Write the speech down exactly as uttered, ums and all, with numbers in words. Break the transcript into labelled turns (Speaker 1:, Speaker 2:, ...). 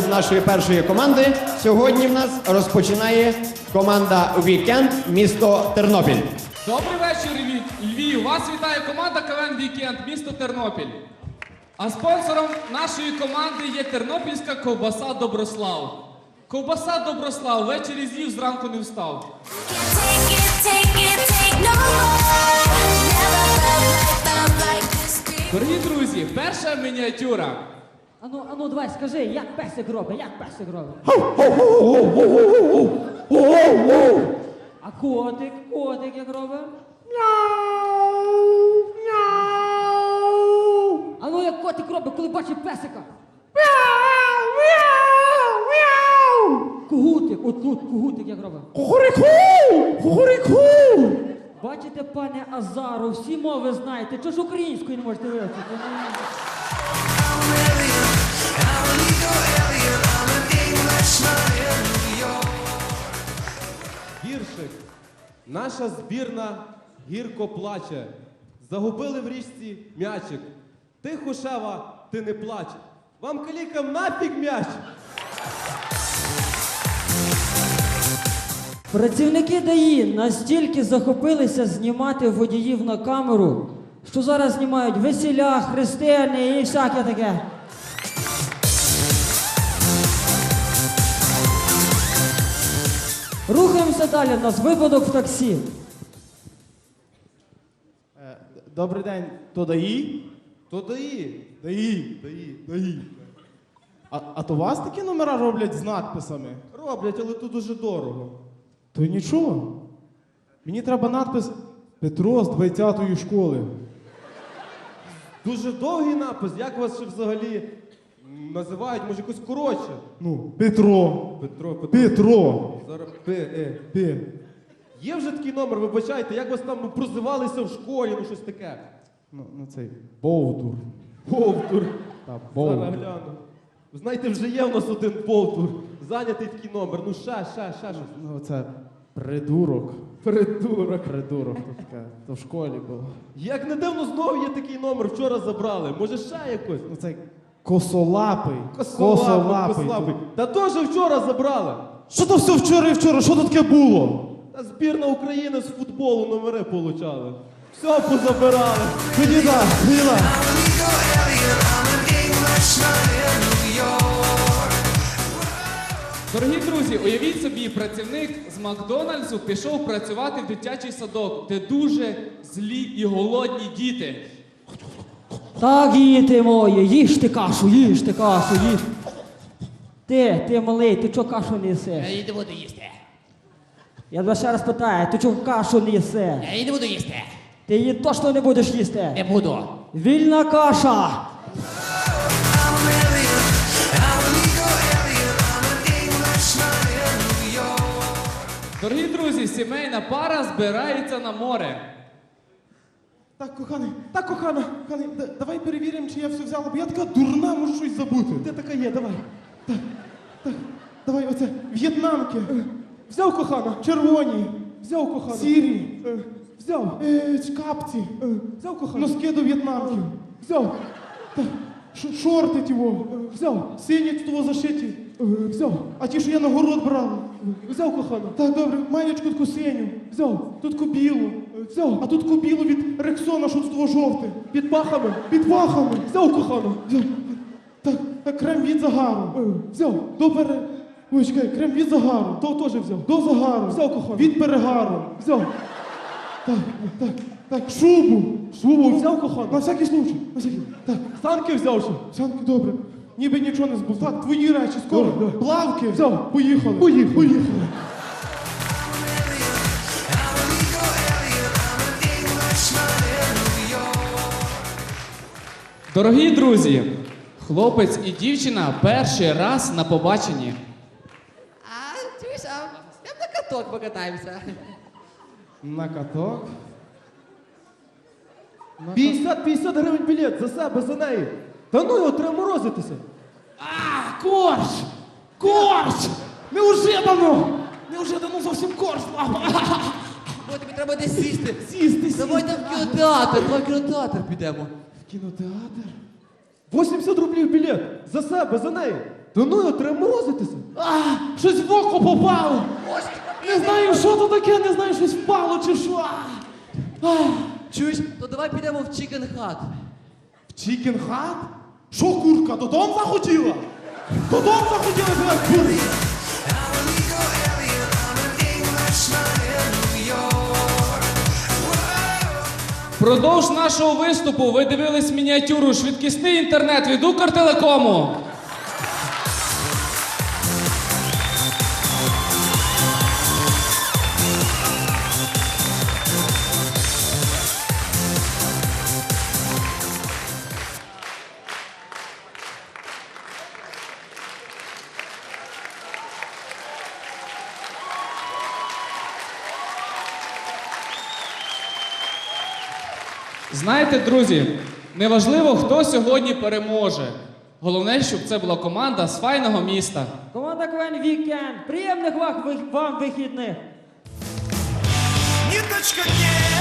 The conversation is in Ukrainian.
Speaker 1: з нашої першої команди. Сьогодні в нас розпочинає команда «Вікенд», місто Тернопіль.
Speaker 2: Добрий вечір, Львів! Вас вітає команда КВН «Вікенд», місто Тернопіль. А спонсором нашої команди є тернопільська ковбаса «Доброслав». Ковбаса «Доброслав» ввечері з'їв, зранку не встав. Дорогі друзі, перша мініатюра.
Speaker 3: Ану, ану, давай, скажи, як песик робить, як песик робить? А котик, котик як робить? Ану, як котик робить, коли бачить песика? Кугутик, от тут кугутик як робить?
Speaker 4: Кукуріку! Кукуріку!
Speaker 3: Бачите, пане Азару, всі мови знаєте, чого ж українською не можете вивчити?
Speaker 4: Гіршик. Наша збірна гірко плаче. Загубили в річці м'ячик. Ти, Хушева, ти не плач. Вам, калікам, нафіг м'яч!
Speaker 3: Працівники ДАІ настільки захопилися знімати водіїв на камеру, що зараз знімають весіля, хрестини і всяке таке. Рухаємося далі, у нас випадок в таксі.
Speaker 5: Добрий день, то ДАІ?
Speaker 4: То даї.
Speaker 5: ДАІ.
Speaker 4: Даї, даї.
Speaker 5: А, а то вас такі номера роблять з надписами?
Speaker 4: Роблять, але то дуже дорого.
Speaker 5: То й нічого. Мені треба надпис «Петро з двадцятої школи».
Speaker 4: Дуже довгий напис. Як вас ще взагалі називають? Може, якось коротше?
Speaker 5: Ну, Петро.
Speaker 4: Петро, Петро.
Speaker 5: Петро.
Speaker 4: Зараз П, Е.
Speaker 5: П.
Speaker 4: Є вже такий номер, вибачайте, як вас там ну, прозивалися в школі, ну щось таке.
Speaker 5: Ну, ну цей Бовдур.
Speaker 4: Повтор.
Speaker 5: Та,
Speaker 4: Зараз
Speaker 5: Бовдур.
Speaker 4: гляну. Ви знаєте, вже є в нас один повтор. Зайнятий такий номер. Ну ще, ще, ще щось.
Speaker 5: Ну, це придурок.
Speaker 4: Придурок.
Speaker 5: Придурок, то таке. То в школі було.
Speaker 4: Як не дивно, знову є такий номер, вчора забрали. Може ще якось?
Speaker 5: Ну, цей косолапий.
Speaker 4: Косолапий, косолапий. Та теж вчора забрали.
Speaker 5: Що то все вчора і вчора? Що то таке було?
Speaker 4: Та збірна України з футболу номери получали. Все позабирали.
Speaker 5: Тоді да, тоді да.
Speaker 2: Дорогі друзі, уявіть собі, працівник з Макдональдсу пішов працювати в дитячий садок, де дуже злі і голодні діти.
Speaker 3: Так, діти мої, їжте кашу, їжте кашу, їж. Ти, ти малий, ти чого кашу не їсиш?
Speaker 6: Я її не буду їсти.
Speaker 3: Я тебе ще раз питаю, ти чого кашу не їсиш?
Speaker 6: Я її не буду їсти.
Speaker 3: Ти її точно не будеш їсти?
Speaker 6: Не буду.
Speaker 3: Вільна каша!
Speaker 2: Дорогі друзі, сімейна пара збирається на море.
Speaker 5: Так, коханий, так, кохана, коханий, да- давай перевіримо, чи я все взяла, бо я така дурна, можу щось забути.
Speaker 4: Де така є, давай.
Speaker 5: Так, так, давай оце, в'єтнамки. Взяв, кохана, червоні. Взяв, кохана. Сірі. Взяв. Е, капці. Взяв, кохана. Носки до в'єтнамків. Взяв. Так, ш- шорти тіво. Взяв. Сині того зашиті. Взяв. А ті, що я на город брала. Взяв, кохана. Так, добре, маєчку таку синю. Взяв. Тут кобілу. Взяв. А тут кобілу від Рексона, що тут того жовте. Під пахами. Під пахами. Взяв, кохана. Взяв. Так, так, крем від загару. Взяв. До пере... Ой, чекай, крем від загару. То теж взяв. До загару. Взяв, кохана. Від перегару. Взяв. Так, так, так, шубу. Шубу взяв, кохана. На всякий случай. На всякий. Так, санки взяв ще. Санки, добре. Ніби нічого не збув. Так, твої речі, скоро. Плавки. Взяв. Поїхали. Поїхали. Поїхали.
Speaker 2: Дорогі друзі, хлопець і дівчина перший раз на побаченні.
Speaker 6: А, чуєш, а я на каток покатаємося.
Speaker 5: На каток. На
Speaker 4: п'ятдесят п'ятдесят гривень білет за себе, за неї. Та ну його, треба морозитися.
Speaker 5: А, корж! Корж! Неожиданно! Неожиданно зовсім корж, папа!
Speaker 6: Бо тобі треба десь сісти.
Speaker 5: Сісти, сісти.
Speaker 6: Давай там в кінотеатр, давай в кінотеатр підемо.
Speaker 5: В кінотеатр?
Speaker 4: вісімдесят рублів білет. За себе, за неї. Та ну його, треба морозитися.
Speaker 5: А, щось в око попало. Не знаю, що то таке, не знаю, щось впало чи що. А,
Speaker 6: Чуєш? То давай підемо в Chicken Hut.
Speaker 5: в Чікен хат? Що, курка, додому захотіла? Додому захотіла, давай, курка.
Speaker 2: Продовж нашого виступу ви дивились мініатюру «Швидкісний інтернет» від Укртелекому. Знаєте, друзі, неважливо, хто сьогодні переможе. Головне, щоб це була команда з файного міста.
Speaker 3: Команда КВН Вікенд. Приємних вам, вам вихідних.
Speaker 7: Ниточка дней